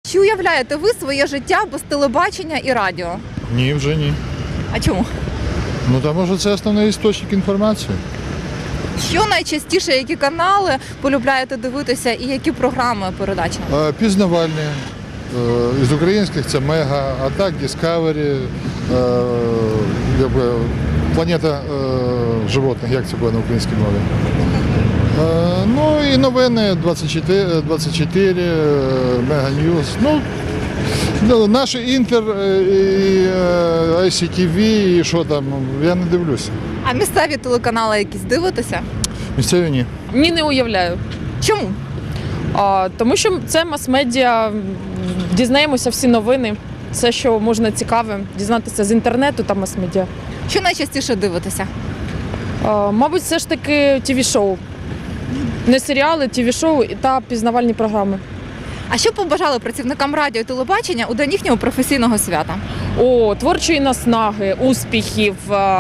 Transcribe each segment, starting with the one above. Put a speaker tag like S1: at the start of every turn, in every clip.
S1: Чи уявляєте ви своє життя без телебачення і радіо?
S2: Ні, вже ні.
S1: А чому?
S2: Ну тому що це основний істочник інформації.
S1: Що найчастіше, які канали полюбляєте дивитися і які програми передачі?
S2: Пізнавальні. Із українських це Мега, а так Discovery, Планета животних, як це буде на українській мові. Ну і новини 24, Мега Ньюс. Ну, наші Інтер, і ICTV, і що там, я не дивлюся.
S1: А місцеві телеканали якісь дивитеся?
S2: Місцеві ні.
S3: Ні, не уявляю.
S1: Чому?
S3: Тому що це мас-медіа, дізнаємося всі новини, все, що можна цікаве, дізнатися з інтернету та мас-медіа.
S1: Що найчастіше дивитеся?
S3: Мабуть, все ж таки ТВ-шоу. Не серіали, ТВ-шоу та пізнавальні програми.
S1: А що працівникам працівникам радіо і телебачення у день їхнього професійного свята?
S3: Творчої наснаги, успіхів,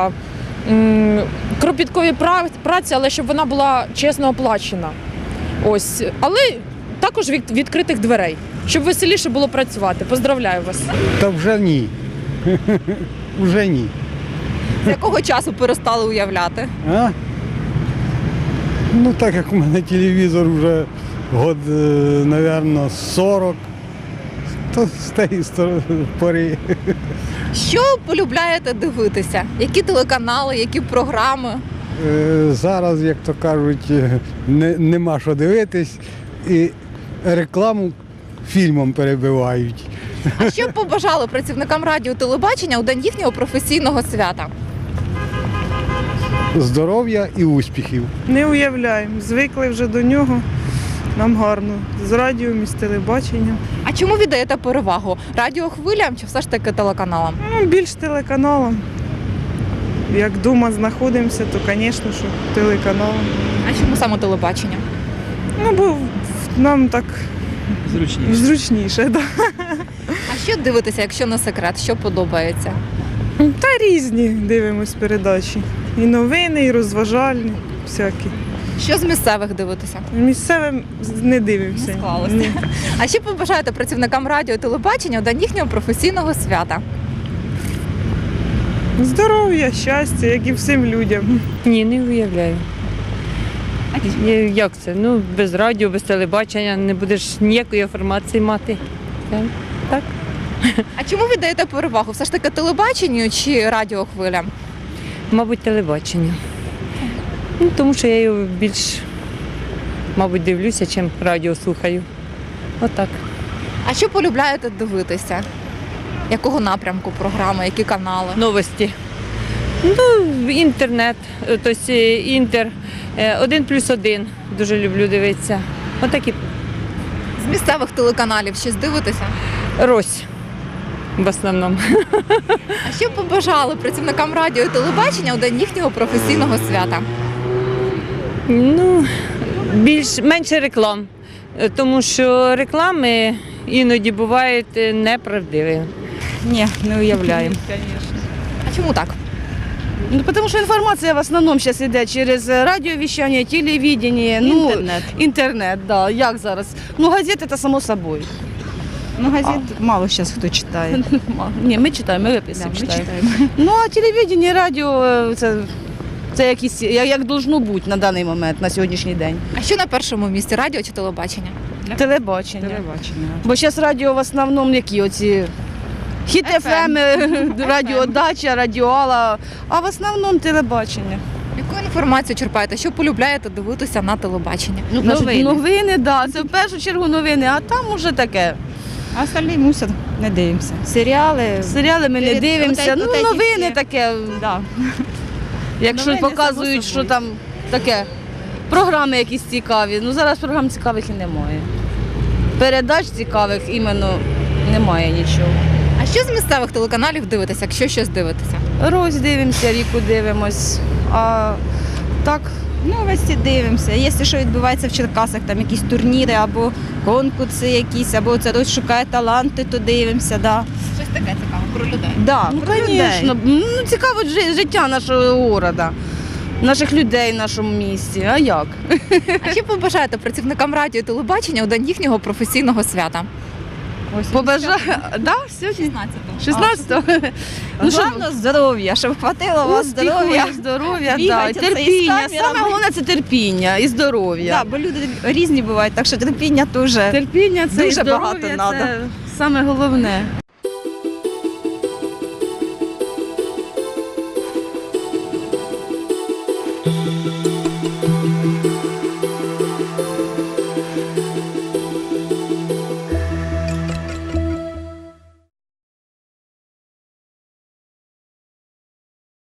S3: кропіткої праці, але щоб вона була чесно оплачена. Ось. Але також відкритих дверей, щоб веселіше було працювати. Поздравляю вас.
S4: Та вже ні. Вже ні.
S1: З якого часу перестали уявляти?
S4: А? Ну так як у мене телевізор вже год, мабуть, 40, то з тієї пори.
S1: Що полюбляєте дивитися? Які телеканали, які програми?
S4: Зараз, як то кажуть, нема що дивитись і рекламу фільмом перебивають.
S1: А що б побажали працівникам радіо і телебачення у день їхнього професійного свята?
S4: Здоров'я і успіхів.
S5: Не уявляємо. Звикли вже до нього. Нам гарно. З радіо, з телебаченням.
S1: А чому віддаєте перевагу? Радіохвилям чи все ж таки телеканалам?
S5: Ну, більш телеканалом. Як вдома знаходимося, то, звісно, що телеканалом.
S1: А чому саме телебачення?
S5: Ну, бо нам так зручніше. Да.
S1: А що дивитеся, якщо не секрет? Що подобається?
S5: Та різні дивимось передачі. І новини, і розважальні, всякі.
S1: Що з місцевих дивитеся?
S5: Місцевим не дивимося.
S1: Не склалося.
S5: Ні.
S1: А що побажаєте працівникам радіо і телебачення у день їхнього професійного свята?
S5: Здоров'я, щастя, як і всім людям.
S6: Ні, не уявляю. Як це? Ну, без радіо, без телебачення не будеш ніякої інформації мати. Так?
S1: А чому віддаєте перевагу? Все ж таки телебаченню чи радіохвилям?
S6: Мабуть, телебачення. Ну, тому що я його більш, мабуть, дивлюся, чим радіо слухаю. Отак.
S1: А що полюбляєте дивитися? Якого напрямку програми, які канали?
S6: Новості. Ну, інтернет, тобто інтер, 1+1 дуже люблю дивитися. Отакі.
S1: З місцевих телеканалів щось дивитеся?
S6: Рось в основному.
S1: А що побажали працівникам радіо і телебачення у день їхнього професійного свята?
S6: Ну, менше реклам, тому що реклами іноді бувають неправдиві.
S7: Ні, не уявляємо.
S1: А чому так?
S7: Ну, тому що інформація в основному зараз йде через радіовіщання, телевидение, інтернет, да. Як зараз? Ну, газети – це само собою.
S8: Ну, газет мало зараз хто читає.
S7: Ні, ми читаємо, ми виписуємо,
S8: Ми
S7: читаємо.
S8: читаємо.
S7: Ну, а телевидение, радіо – це якісь, як должно бути на даний момент, на сьогоднішній день.
S1: А що на першому місці, радіо чи телебачення?
S7: Телебачення.
S8: Телебачення.
S7: Бо зараз радіо в основному які оці Хіт ФМ, радіодача, радіоала, а в основному телебачення.
S1: Яку інформацію черпаєте? Що полюбляєте дивитися на телебаченні?
S7: Новини, да, це в першу чергу новини, а там уже таке.
S8: А остальні мусять не дивимося.
S7: Серіали ми не дивимося, ну новини таке,
S8: Да.
S7: якщо
S8: Новини,
S7: показують,
S8: само
S7: що там таке, програми якісь цікаві, ну зараз програм цікавих і немає. Передач цікавих іменно немає нічого.
S1: А що з місцевих телеканалів дивитеся, якщо щось дивитеся?
S7: Рось дивимося, ріку дивимось, а так.
S8: Новості дивимося. Якщо що відбувається в Черкасах, там якісь турніри або конкурси якісь, або це хтось шукає таланти, то дивимося. Да.
S1: Щось таке цікаве про людей.
S8: Да,
S7: Ну,
S8: про людей.
S7: звісно, цікаво життя нашого міста, наших людей в нашому місті, а як?
S1: А що побажаєте працівникам радіо і телебачення у день їхнього професійного свята?
S7: Побажаю. Да, сьогодні?
S8: 16-го.
S7: 16-го. Ну, щоб
S8: Головне здоров'я, щоб хватило вас здоров'я.
S7: здоров'я, да,
S8: Бігайте, це із
S7: терпіння.
S8: камерами.
S7: Саме головне це терпіння і здоров'я.
S8: Да, бо люди різні бувають, так що терпіння теж.
S7: Терпіння це
S8: Дуже
S7: і
S8: багато
S7: здоров'я,
S8: надо.
S7: це саме головне.
S9: Thank you.